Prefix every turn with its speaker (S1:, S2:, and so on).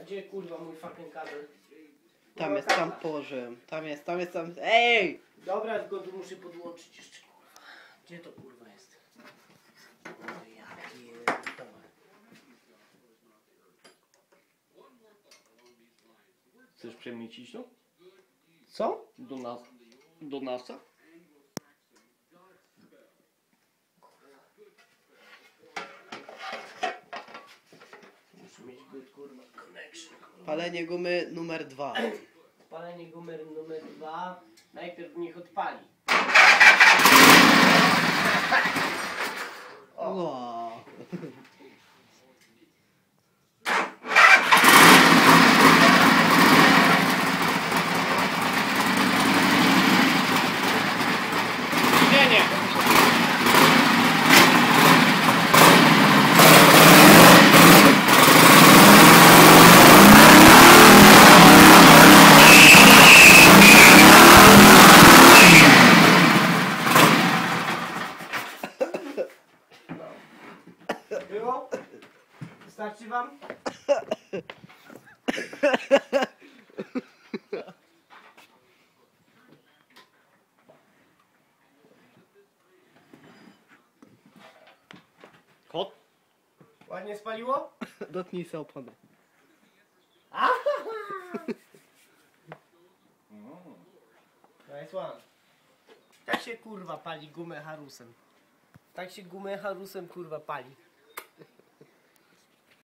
S1: gdzie kurwa mój fucking kabel?
S2: Tam jest, tam położyłem. Tam jest. Ej!
S1: Dobra, tylko tu muszę podłączyć jeszcze kurwa. Gdzie to kurwa jest? O, ja pierdolę.
S3: Chcesz przemycić to?
S1: Co?
S3: Do NASA?
S1: Muszę mieć good kurwa connection.
S2: Palenie gumy numer 2.
S1: Palenie gumy numer 2. Najpierw niech odpali.
S2: Wow.
S1: Było? Wystarczy wam?
S3: Kot?
S1: Ładnie spaliło?
S2: Dotknij sobie opony.
S1: Nice one. Tak się kurwa pali gumę Harusem. Tak się gumę Harusem kurwa pali.